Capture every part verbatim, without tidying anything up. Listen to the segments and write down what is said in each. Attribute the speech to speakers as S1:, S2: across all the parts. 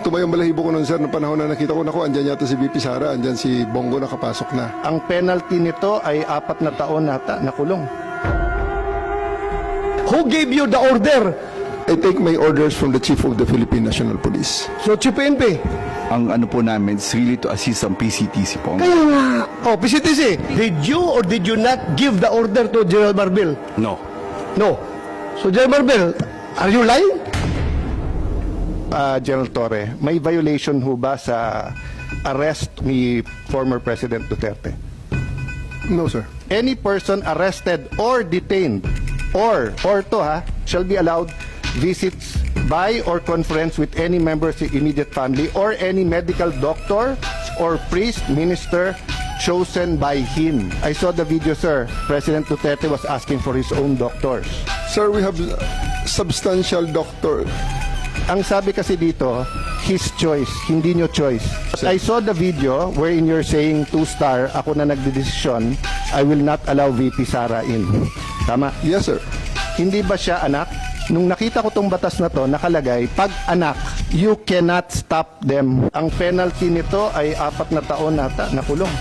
S1: tumayong balahibo ko nun, sir, na panahon na nakita ko, naku, andyan yata si V P Sara, andyan si Bongo nakapasok na.
S2: Ang penalty nito ay apat na taon nata na kulong.
S3: Who gave you the order?
S1: I take my orders from the Chief of the Philippine National Police.
S3: So, Chief P N P.
S4: Ang ano po namin is really to assist ang P C T C po.
S3: Kaya nga. Oh, P C T C, did you or did you not give the order to General Marbil?
S4: No.
S3: No. So, General Marbil, are you lying?
S2: Uh, General Torre, may violation ho ba sa arrest ni former President Duterte?
S1: No, sir.
S2: Any person arrested or detained or, or to ha, shall be allowed visits by or conference with any member of the immediate family or any medical doctor or priest, minister chosen by him. I saw the video, sir. President Duterte was asking for his own doctors.
S1: Sir, we have substantial doctor.
S2: Ang sabi kasi dito, his choice, hindi nyo choice. I saw the video wherein you're saying two-star, ako na nagdedesisyon, I will not allow V P Sara in. Tama?
S1: Yes, sir.
S2: Hindi ba siya anak? Nung nakita ko tong batas na to, nakalagay, pag anak, you cannot stop them. Ang penalty nito ay apat na taon nata na kulong.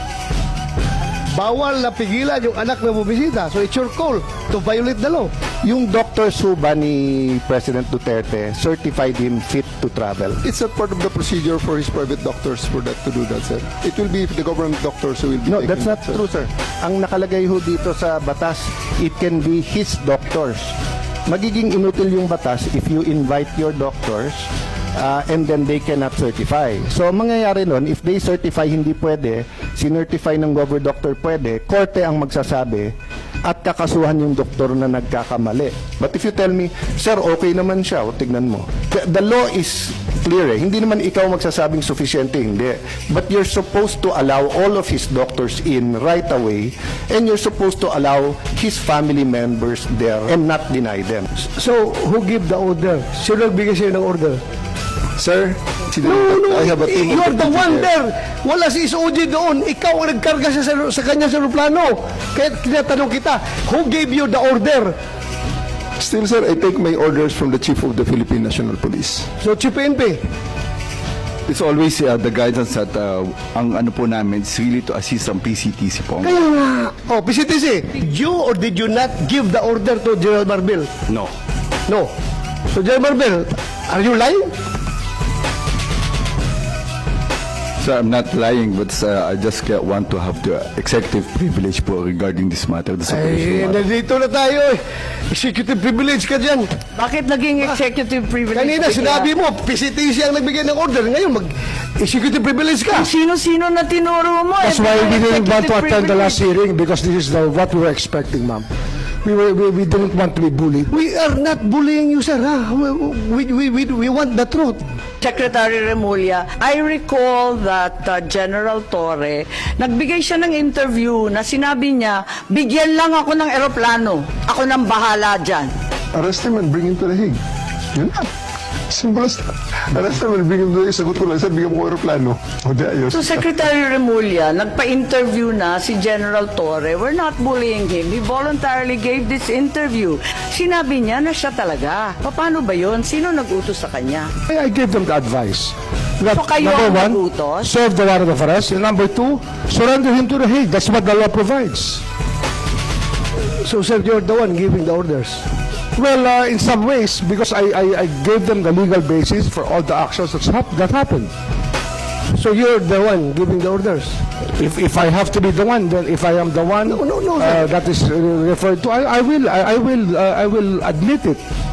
S3: Bawal na pigilan yung anak na bubisita. So, it's your call to violate the law.
S2: Yung Doctor Suba ni President Duterte certified him fit to travel.
S1: It's a part of the procedure for his private doctors for that to do that, sir. It will be the government doctors who will be
S2: No,
S1: taking
S2: that's not
S1: it, sir.
S2: true, sir. Ang nakalagay ho dito sa batas, it can be his doctors. Magiging inutil yung batas if you invite your doctors uh, and then they cannot certify. So, ang mangyayari nun, if they certify hindi pwede, sinertify ng gover doctor pwede, korte ang magsasabi at kakasuhan yung doktor na nagkakamali. But if you tell me, sir, okay naman siya, o tignan mo. The, the law is clear eh. Hindi naman ikaw magsasabing sufficiente, hindi. But you're supposed to allow all of his doctors in right away and you're supposed to allow his family members there and not deny them.
S3: So, who give the order? Sino nagbigay sa'yo ng order?
S1: Sir, si
S3: No, no,
S1: I have a team
S3: you're
S1: of
S3: the
S1: deputy
S3: one
S1: there.
S3: there. Wala si S O G doon. Ikaw ang nagkarga sa, sa kanya sa aeroplano. Kaya tinatanong kita, who gave you the order?
S1: Still, sir, I take my orders from the Chief of the Philippine National Police.
S3: So, Chief P N P.
S4: It's always uh, the guidance that uh, ang ano po namin is really to assist ang P C T C po.
S3: Kaya nga. Oh, P C T C, did you or did you not give the order to General Marbil?
S4: No.
S3: No. So, General Marbil, are you lying?
S4: So I'm not lying, but uh, I just uh, want to have the executive privilege po regarding this matter. This
S3: Ay,
S4: operation matter.
S3: nandito na tayo eh. Executive privilege ka dyan.
S5: Bakit naging executive privilege?
S3: Kanina,
S5: bigla?
S3: sinabi mo, P C T C ang nagbigay ng order. Ngayon, mag-executive privilege ka.
S5: Sino-sino na tinuro mo?
S6: That's
S5: eh,
S6: why we
S5: bigla
S6: didn't want to
S5: executive
S6: attend the last
S5: privilege.
S6: hearing because this is the, what we were expecting, ma'am. We, were, we, we didn't want to be bullied.
S3: We are not bullying you, sir. Ha? We, we, we, we want the truth.
S5: Secretary Remulla, I recall that uh, General Torre, nagbigay siya ng interview na sinabi niya, bigyan lang ako ng eroplano. Ako nang bahala dyan.
S1: Arrest him and bring him to the Hague. Yun na. Simple as that. Arrest him and bring him to the Hague. Sagot ko lang, sir, bigyan mo ko aeroplano. O di ayos.
S5: So Secretary Remulla, nagpa-interview na si General Torre. We're not bullying him. He voluntarily gave this interview. Sinabi niya na siya talaga. Paano ba yun? Sino nag-utos sa kanya?
S6: I, I gave them the advice. That,
S5: So kayo
S6: number
S5: ang
S6: one,
S5: nagutos?
S6: serve the warrant of arrest. And number two, surrender him to the Hague. That's what the law provides.
S3: So, sir, you're the one giving the orders.
S6: Well, uh, in some ways, because I, I, I gave them the legal basis for all the actions that's hap- that happened.
S3: So, you're the one giving the orders.
S6: If, if I have to be the one, then if I am the one
S3: No, no, no,
S6: uh,
S3: sir.
S6: that is uh, referred to, I, I will, I, I will, uh, I will admit it.